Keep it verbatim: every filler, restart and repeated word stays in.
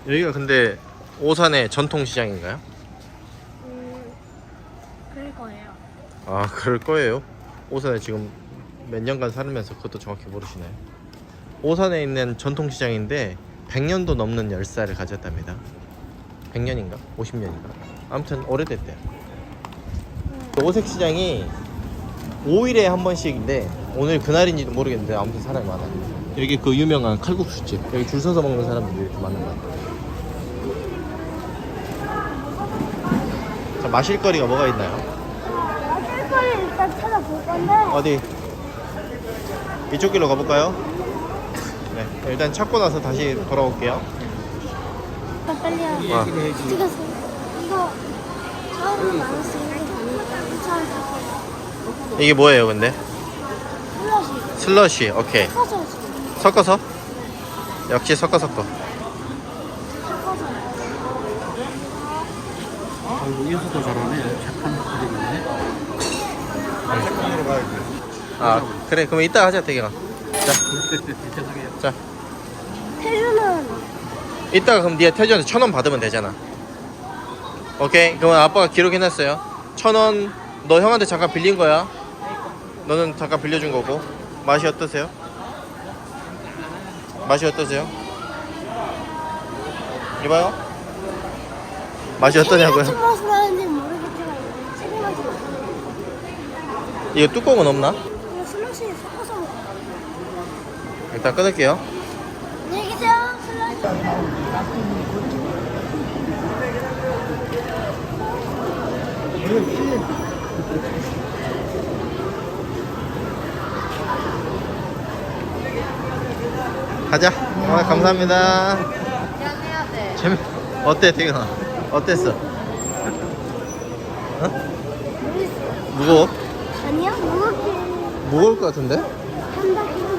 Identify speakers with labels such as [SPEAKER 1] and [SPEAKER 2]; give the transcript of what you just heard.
[SPEAKER 1] 여기가 근데 오산의 전통시장인가요?
[SPEAKER 2] 음, 그럴 거예요.
[SPEAKER 1] 아 그럴 거예요. 오산에 지금 몇 년간 살면서 그것도 정확히 모르시나요? 오산에 있는 전통시장인데 백 년도 넘는 열사를 가졌답니다. 백 년인가? 오십 년인가? 아무튼 오래됐대요. 오색시장이 오 일에 한 번씩인데 오늘 그날인지도 모르겠는데 아무튼 사람이 많아요. 여기 그 유명한 칼국수집, 여기 줄 서서 먹는 사람들이 이렇게 많은 것 같아요. 자, 마실 거리가 뭐가 있나요?
[SPEAKER 2] 마실 거를 일단 찾아볼 건데.
[SPEAKER 1] 어디? 이쪽 길로 가볼까요? 네, 일단 찾고 나서 다시 돌아올게요.
[SPEAKER 2] 아, 빨리요.
[SPEAKER 1] 아.
[SPEAKER 2] 찍었어. 이거 처음에 많았으니까 괜찮을 것 같아요.
[SPEAKER 1] 이게 뭐예요, 근데?
[SPEAKER 2] 슬러시.
[SPEAKER 1] 슬러시, 오케이.
[SPEAKER 2] 섞어서 지금.
[SPEAKER 1] 섞어서? 역시 섞어 섞어.
[SPEAKER 2] 섞어서.
[SPEAKER 3] 아이고 인수도 잘하네. 착한 분이네.
[SPEAKER 1] 아, 그래, 그럼 이따 하자, 대경아. 자,
[SPEAKER 3] 죄송해요.
[SPEAKER 1] 자.
[SPEAKER 2] 태주는
[SPEAKER 1] 이따가 그럼 니가 태주한테 천 원 받으면 되잖아. 오케이, 그러면 아빠가 기록해놨어요. 천 원, 너 형한테 잠깐 빌린 거야. 너는 잠깐 빌려준 거고. 맛이 어떠세요? 맛이 어떠세요? 이봐요. 맛이
[SPEAKER 2] 무슨
[SPEAKER 1] 어떠냐고요?
[SPEAKER 2] 맛을 하는지 모르겠지만 체리 맛이 나요.
[SPEAKER 1] 이거 뚜껑은 없나?
[SPEAKER 2] 이거 슬러시 섞어서 먹어요.
[SPEAKER 1] 일단 끊을게요.
[SPEAKER 2] 안녕히 계세요. 슬러시.
[SPEAKER 1] 가자. 아, 감사합니다. 재미 어때, 태경아? 어땠어? 어?
[SPEAKER 2] 모르겠어요.
[SPEAKER 1] 무거워?
[SPEAKER 2] 아니요, 무겁게
[SPEAKER 1] 무거울 것 같은데?
[SPEAKER 2] 한다.